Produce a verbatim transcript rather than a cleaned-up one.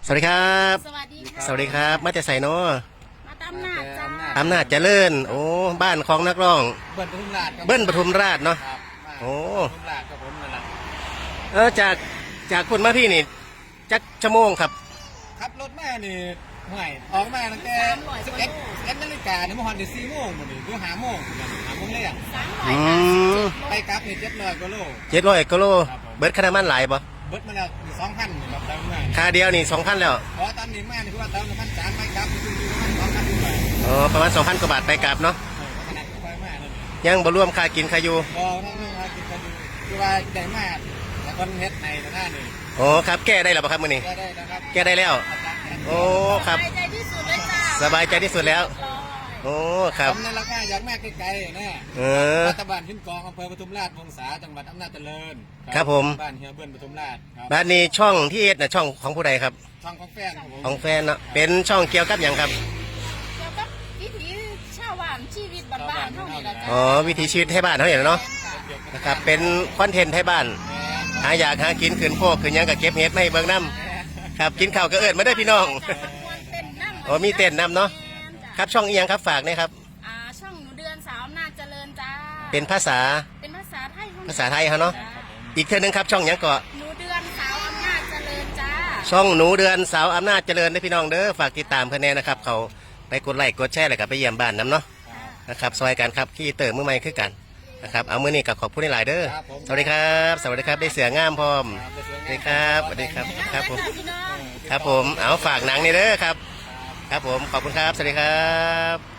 สวัสดีครับสวัสดีค่ะสวัสดีครับมาจากไสเนาะมาตามหน้าจจ้าอำนาจเจริญโอ้บ้านของนักร้องเบิ้ลปทุมราชครับเบิ้ลปทุมราชเนาะครับโอ้ปทุมราชครับผมนั่นแหละเออจากจากคนมาพี่นี่จักชั่วโมงครับขับรถมานี่ห่วยออกมาตั้งแต่สิบเอ็ดเอ็ดนาฬิกาเนี่ยเมื่อวานเดี๋ยวสี่โมงหมดนี่คือหาโมงเนี่ยหาโมงเลยอ่ะสามร้อยอืห้าสิบมเจ็ดไปกลับนี่เจ็ดร้อยกว่าโลเจ็ดร้อยกิโลครับผมเบิร์ดคณะมันหลายปะเบิ้ลมาแล้วสองพันแบบเดิมเลยค่าเดียวนี่สองพันแล้วเพราะตอนนี้มานี่คือว่าเติมน้ำมันจานไปกลับนี่คืออยู่ประมาณสองพันกว่าบาทอ๋อประมาณสองพันกว่าบาทไปกลับเนาะเออขนาดไปมากเลยยังบ่รวมค่ากินค่าอยู่บอทั้งเรื่องว่ากินกันอยู่คือว่าได้มากแต่คนเฮ็ดในแต่หน้านี่โอ้ครับแก้ได้หรือเปล่าครับมื้อนี้ก็ได้นะครับแก้ได้แล้ว โอ้ครับสบายใจที่สุดเลยจ้าสบายใจที่สุดแล้วร้อยโอ้ครับทำในราคาอยากมากไกลๆนะเออรัฐบาลขึ้นกองอำเภอปทุมราชวงศาจังหวัดอำนาจเจริญครับผมบ้านเฮียเบิ้ลปทุมราชครับบ้านนี้ช่องที่เอ็ดน่ะช่องของผู้ใดครับช่องของแฟนครับผมของแฟนเนาะเป็นช่องเกี่ยวกับอย่างครับเกี่ยวกับวิถีชาวบ้านชีวิตบ้านๆเท่านี้ละจ้าอ๋อวิถีชีวิตไทยบ้านเขาอย่างเนาะนะครับเป็นคอนเทนต์ไทยบ้าน หาอยากหากินขืนโพกขืนหยังกับเก็บเห็ดไม่เบิ่งน้ำครับกินข้าวก็เอิดมาได้อพี่น้องจ้าควรเต้นนั่งอ๋อมีเต้นนำเนาะ ครับช่องเอียงครับฝากหนะครับอ่าช่องหนูเดือนสาวอำนาจเจริญจ้าเป็นภาษาเป็นภาษาไทยภาษาไทยเขาเนาะจ้อีกเท่านึงครับช่องหยังเกาะหนูเดือนสาวอำนาจเจริญจ้าช่องหนูเดือนสาวอำนาจเจริญนะพี่น้องเด้อฝากติดตามเพื่อนแน่นะครับเขาไปกดไลค์กดแชร์เลยกับไปเยี่ยมบ้านน้ำเนาะนะครับซอยกันครับขี้เติมมือใหม่คือกันนะครับเอามือนี้กับขอบผู้ในหลายเด้อสวัสดีครับ สวัสดีครับได้เสืองามพร้อมสวัสดีครับสวัสดีครับครับผมพี่น้องครับผมเอาฝากหนังนี่เด้อครับ ครับผมขอบคุณครับสวัสดีครับ